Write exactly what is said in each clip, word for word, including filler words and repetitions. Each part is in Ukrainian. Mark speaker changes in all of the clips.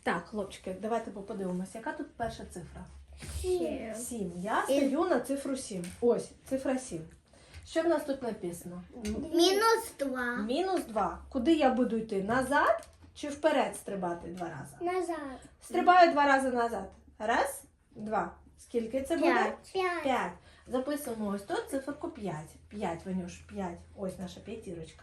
Speaker 1: Так, хлопчики, давайте подивимося, яка тут перша цифра?
Speaker 2: Сім.
Speaker 1: сім. Я стою на цифру сім. Ось, цифра сім. Що в нас тут написано?
Speaker 2: Мінус два.
Speaker 1: Мінус два. Куди я буду йти? Назад чи вперед стрибати два рази?
Speaker 2: Назад.
Speaker 1: Стрибаю два рази назад. Раз, два. Скільки це буде?
Speaker 2: П'ять. П'ять.
Speaker 1: П'ять. Записуємо ось тут циферку п'ять. п'ять, Ванюш, п'ять. Ось наша п'ятірочка.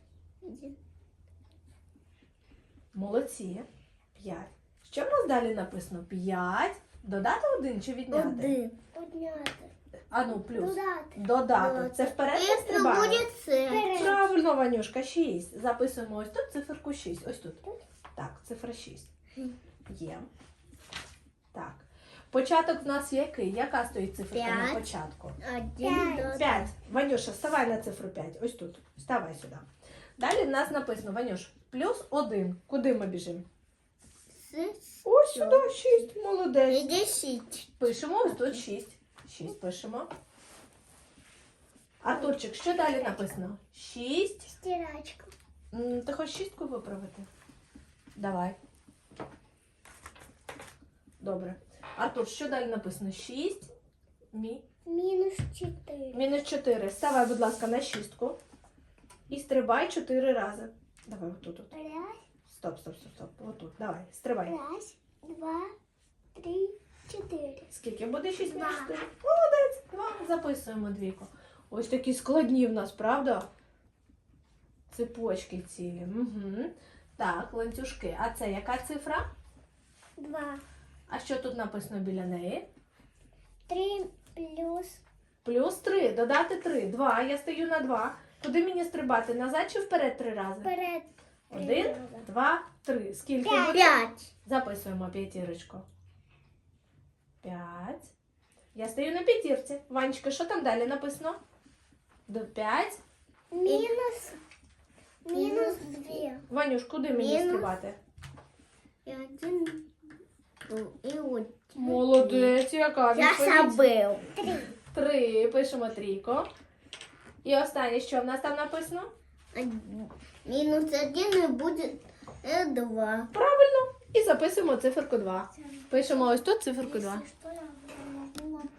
Speaker 1: Молодці. п'ять. Що в нас далі написано? п'ять. Додати один чи відняти?
Speaker 2: Один. Подняти.
Speaker 1: А ну, плюс.
Speaker 2: Додати.
Speaker 1: Додати. Це вперед не
Speaker 2: І
Speaker 1: стрибає?
Speaker 2: буде це.
Speaker 1: Правильно, Ванюшка, шість. Записуємо ось тут циферку шість. Ось тут. Так, цифра шість. Є. Так. Початок в нас який? Яка стоїть циферка на
Speaker 2: П'ять.
Speaker 1: початку?
Speaker 2: Один.
Speaker 1: п'ять. Ванюша, вставай на цифру п'ять. Ось тут. Вставай сюди. Далі в нас написано, Ванюш, плюс один. Куди ми біжимо? Ось сюди, шість. Молодець.
Speaker 2: І десять.
Speaker 1: Пишемо ось тут шість. шість пишемо. Артурчик, що далі написано? шість.
Speaker 2: Стирачка.
Speaker 1: М, Ти хочеш шістку виправити? Давай. Добре. Артур, що далі написано? шість. Мі.
Speaker 2: Мінус чотири.
Speaker 1: Мінус чотири. Ставай, будь ласка, на шістку. І стрибай чотири рази. Давай, отут. от.
Speaker 2: Раз,
Speaker 1: Стоп, стоп, стоп, стоп. Отут. Давай, стрибай.
Speaker 2: раз, два, три, чотири.
Speaker 1: Скільки буде шість
Speaker 2: Два.
Speaker 1: мінус чотири? Молодець. Два. Записуємо двійку. Ось такі складні в нас, правда? Цепочки цілі. Угу. Так, ланцюжки. А це яка цифра?
Speaker 2: Два.
Speaker 1: А що тут написано біля неї?
Speaker 2: Три плюс.
Speaker 1: Плюс три. Додати три. Два. Я стою на два. Куди мені стрибати? Назад чи вперед три рази?
Speaker 2: Вперед.
Speaker 1: Один, два, три. Скільки
Speaker 2: П'ять.
Speaker 1: буде?
Speaker 2: П'ять.
Speaker 1: Записуємо п'ятірочку. П'ять. Я стою на п'ятірці. Ванечка, що там далі написано? До п'ять.
Speaker 2: Мінус. Мінус дві.
Speaker 1: Ванюш, куди мені
Speaker 2: Мінус.
Speaker 1: стрибати?
Speaker 2: І один. І один.
Speaker 1: Молодець, яка
Speaker 2: Я
Speaker 1: відповідь?
Speaker 2: забив. Три.
Speaker 1: Три. Пишемо трійку. І останнє, що в нас там написано?
Speaker 2: Мінус один і буде е, два.
Speaker 1: Правильно. І записуємо циферку два. Пишемо ось тут циферку два.